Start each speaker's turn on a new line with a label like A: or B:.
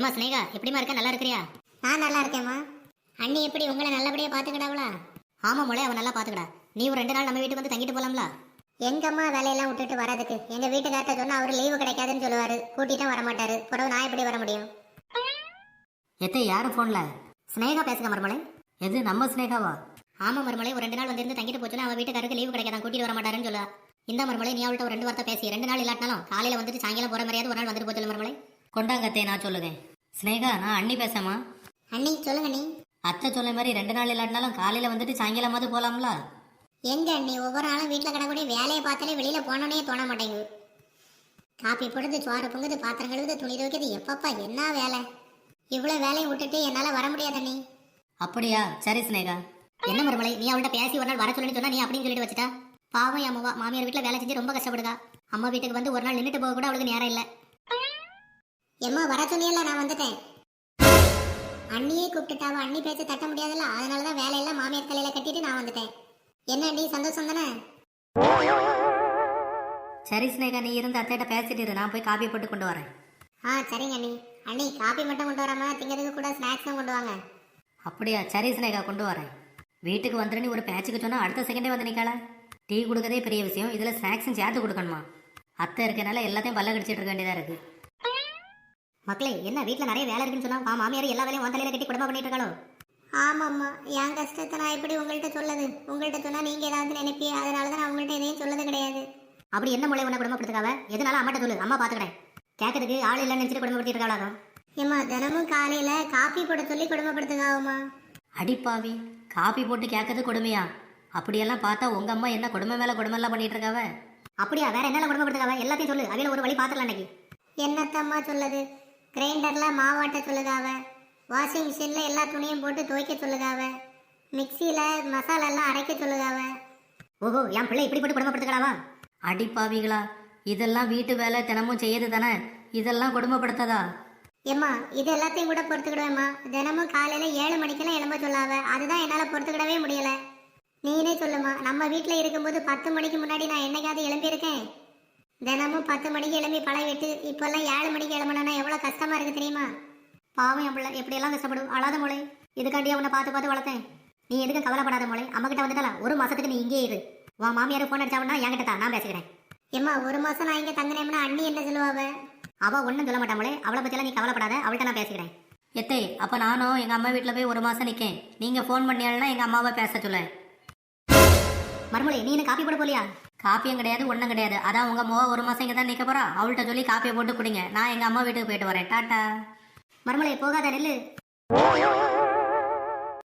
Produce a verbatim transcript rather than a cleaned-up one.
A: ஏமா ஸ்னேகா எப்படிமா இருக்க, நல்லா இருக்கிறியா?
B: நான் நல்லா இருக்கேம்மா. அண்ணி எப்படி உங்களை நல்லபடியா பாத்துக்கிடாவளா?
A: ஆமா மொழி, அவன் நல்லா பாத்துக்கடா. நீ ஒரு ரெண்டு நாள் நம்ம வீட்டுக்கு வந்து தங்கிட்டு போலாம்ல?
B: எங்கம்மா வேலையெல்லாம் விட்டுட்டு வரதுக்கு? எங்க வீட்டுக்கார்ட்ட சொன்னா அவரு லீவு கிடைக்காதுன்னு சொல்லுவாரு, கூட்டிட்டும் வரமாட்டாரு. பிறகு நான் எப்படி வர முடியும்?
A: எத்தை யாரு போன்ல? ஸ்னேகா பேசுங்க மருமலை. எது நம்ம ஸ்னேகாவா? ஆமா மருமலை, ஒரு ரெண்டு நாள் வந்து இருந்து தங்கிட்டு போச்சுன்னா அவன் வீட்டுக்காருக்கு லீவு கிடைக்காதான், கூட்டிட்டு வர மாட்டாருன்னு சொல்லுவா. இந்த மருமலை நீ அவள்கிட்ட ஒரு ரெண்டு வார்த்தை பேசி ரெண்டு நாள் இல்லாட்டினாலும் காலையில வந்துட்டு சாயங்காலம் போற மாதிரியாவது ஒரு நாள் வந்துட்டு போச்சு மருமலை. கொண்டாங்கத்தே நான் சொல்லுவேன். ஸ்னேகா நான் அண்ணி பேசாமா?
B: அண்ணி சொல்லுங்க நீ.
A: அத்தை சொல்ல மாதிரி ரெண்டு நாள் இல்லாட்டினாலும் காலையில வந்துட்டு சாயங்காலமாவது போலாம்ல?
B: எங்க அண்ணி ஒவ்வொரு நாளும் வீட்டுல கிடக்கூடிய வேலையை பார்த்தாலே வெளியில போனோன்னே தோண மாட்டேங்குது. காப்பி போடுறது, சோறு பொங்குது, பாத்திரம் கழுவுது, துணி துவைக்கிறது, எப்பப்பா என்ன வேலை! இவ்வளவு வேலையை விட்டுட்டு என்னால வர முடியாது அண்ணி.
A: அப்படியா? சரி ஸ்னேகா. என்ன மருமலை, நீ அவள்கிட்ட பேசி ஒரு நாள் வர சொல்லுன்னு சொன்னா நீ அப்படின்னு சொல்லிட்டு வச்சுட்டா? பாவம் அம்மாவா, மாமியார் வீட்டுல வேலை செஞ்சு ரொம்ப கஷ்டப்படுதா. அம்மா வீட்டுக்கு வந்து ஒரு நாள் நின்றுட்டு போக கூட அவளுக்கு நேரம் இல்லை.
B: எம்மா வர சொன்னியல்ல, நான் வந்துட்டேன். அண்ணியே கூப்பிட்டுட்டாவ, அண்ணி பேச்ச தட்ட முடியாதுல்ல, அதனாலதான் வேலையெல்லாம் மாமியார் தலையில கட்டிட்டு நான் வந்துட்டேன். என்ன அண்ணி சந்தோஷம் தானே?
A: சரி ஸ்னேகா, நீ இருந்து அத்தையிட்ட பேசிட்டு இரு, நான் போய் காப்பி போட்டு கொண்டு வரேன்.
B: ஆ சரிங்க அண்ணி. அண்ணி காப்பி மட்டும் கொண்டு வராம திங்கிறதுக்கு கூட ஸ்நாக்ஸும் கொண்டு வாங்க.
A: அப்படியா? சரி ஸ்னேகா, கொண்டு வரேன். வீட்டுக்கு வந்துட்டு நீ ஒரு பேச்சுக்கு சொன்னா அடுத்த செகண்டே வந்து நிக்கல. டீ கொடுக்கறதே பெரிய விஷயம், இதுல ஸ்நாக்ஸும் சேர்த்து கொடுக்கணுமா? அத்தை இருக்கனால எல்லாத்தையும் பல்ல கடிச்சிட்டு இருக்க வேண்டியதா இருக்கு. மக்களே, என்ன வீட்டுல நிறைய வேலை இருக்குன்னு சொன்னா மாமியார் எல்லா வேலையும் தலையில கட்டி குடும்பம் பண்ணிட்டு இருக்காளோ?
B: ஆமாம்மா, என் கஷ்டத்தை நான் எப்படி உங்கள்கிட்ட சொல்லது? உங்கள்கிட்ட சொன்னா நீங்க ஏதாவது நினைப்பி, அதனாலதான் நான் உங்கள்கிட்ட எதையும் சொல்லது கிடையாது.
A: அப்படி என்ன மூளை உன்னை குடும்பப்படுத்துக்காவ? எதனால அம்மாட்ட சொல்லு, அம்மா பாத்துக்கிறேன். கேட்கறதுக்கு ஆள் இல்லைன்னு நினைச்சிட்டு குடும்பப்படுத்திட்டு இருக்காளா?
B: ஏம்மா தினமும் காலையில காப்பி போட சொல்லி குடும்பப்படுத்துக்காவுமா?
A: அடிப்பாவி, காப்பி போட்டு கேட்கறது கொடுமையா? அப்படியெல்லாம் பார்த்தா உங்க அம்மா என்ன கொடுமை மேல கொடுமை எல்லாம் பண்ணிட்டு இருக்காவ? அப்படியா? வேற என்ன குடும்பப்படுத்துக்காவ? எல்லாத்தையும் சொல்லு, அவையில ஒரு வழி பாத்துக்கலாம். இன்னைக்கு
B: என்னத்தம்மா சொல்லுது? கிரைண்டர்ல மாவாட்ட சொல்லுதாவ, வாஷிங் மிஷின்ல எல்லா துணியும் போட்டு துவைக்க சொல்லுதாவ, மிக்சியில மசாலா எல்லாம் அரைக்க சொல்லுதாவ.
A: ஓஹோ, என் பிள்ளை இப்படி போட்டு குடும்பப்படுத்துக்கலாவா? அடிப்பாவிகளா, இதெல்லாம் வீட்டு வேலை தினமும் செய்யது தானே, இதெல்லாம் குடும்பப்படுத்ததா?
B: ஏம்மா இது எல்லாத்தையும் கூட பொறுத்துக்கிடுவேம்மா. தினமும் காலையில ஏழு மணிக்கெல்லாம் எழும்ப சொல்லாவ, அதுதான் என்னால பொறுத்துக்கிடவே முடியல. நீனே சொல்லுமா, நம்ம வீட்டுல இருக்கும்போது பத்து மணிக்கு முன்னாடி நான் என்னைக்காவது எழும்பியிருக்கேன்? தினமும் பத்து மணிக்கு எழும்பி பழகிட்டு இப்பெல்லாம் ஏழு மணிக்கு எழும்பணும்னா எவ்வளவு கஷ்டமா இருக்கு தெரியுமா?
A: பாவம் என் பிள்ளை எப்படியெல்லாம் கஷ்டப்படும். அழாத மொழி, இதுக்காண்டியா உன்னை பார்த்து பார்த்து வளர்த்தேன். நீ எதுக்கும் கவலைப்படாத மொழி. அம்மா கிட்ட வந்துட்டால ஒரு மாசத்துக்கு நீ இங்கே இரு. உன் மாமியார் போன் அடிச்சாவன்னா என்கிட்ட தான், நான் பேசுகிறேன்.
B: ஏம்மா ஒரு மாசம் நான் இங்க தங்கினேம்னா அண்ணி என்ன சொல்லுவாவ?
A: அவ ஒன்றும் சொல்ல மாட்டாமலே, அவளை பற்றியெல்லாம் நீ கவலைப்படாத, அவள்கிட்ட நான் பேசுகிறேன். எத்தே, அப்போ நானும் எங்கள் அம்மா வீட்டில் போய் ஒரு மாதம் நிற்கேன். நீங்கள் ஃபோன் பண்ணியாள்னா எங்கள் அம்மாவை பேச சொல்ல. மறுமொழி, நீ என்ன காப்பி போட போலியா? காப்பியும் கிடையாது, ஒன்றும் கிடையாது. அதான் உங்கள் அம்மாவை ஒரு மாதம் இங்கே தான் நிற்க போகிறா. அவள்கிட்ட சொல்லி காப்பியை போட்டு குடிங்க. நான் எங்கள் அம்மா வீட்டுக்கு போயிட்டு வரேன். டாட்டா. மறுமொழி போகாத, நெல்லு.